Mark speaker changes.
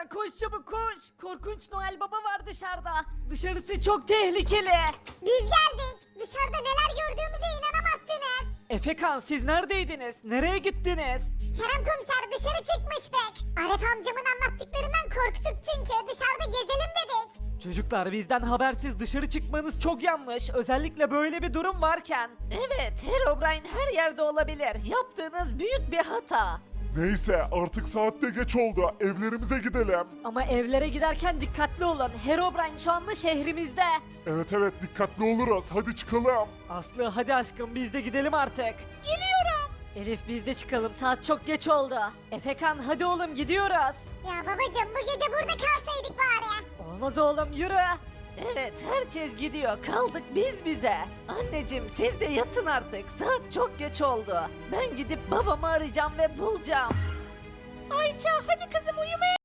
Speaker 1: Efekan koş çabuk koş. Korkunç Noel Baba var dışarıda. Dışarısı çok tehlikeli.
Speaker 2: Biz geldik. Dışarıda neler gördüğümüze inanamazsınız.
Speaker 1: Efekan siz neredeydiniz? Nereye gittiniz?
Speaker 2: Kerem komiser dışarı çıkmıştık. Arif amcamın anlattıklarından korktuk çünkü dışarıda gezelim dedik.
Speaker 1: Çocuklar bizden habersiz dışarı çıkmanız çok yanlış. Özellikle böyle bir durum varken. Evet, Herobrine her yerde olabilir. Yaptığınız büyük bir hata.
Speaker 3: Neyse artık saat de geç oldu. Evlerimize gidelim.
Speaker 1: Ama evlere giderken dikkatli olun. Herobrine şu anda şehrimizde.
Speaker 3: Evet evet dikkatli oluruz. Hadi çıkalım.
Speaker 1: Aslı hadi aşkım biz de gidelim artık. Geliyorum. Elif biz de çıkalım saat çok geç oldu. Efekan hadi oğlum gidiyoruz.
Speaker 2: Ya babacım bu gece burada kalsaydık bari.
Speaker 1: Olmaz oğlum yürü. Evet herkes gidiyor kaldık biz bize. Anneciğim siz de yatın artık saat çok geç oldu. Ben gidip babamı arayacağım ve bulacağım. Ayça hadi kızım uyumaya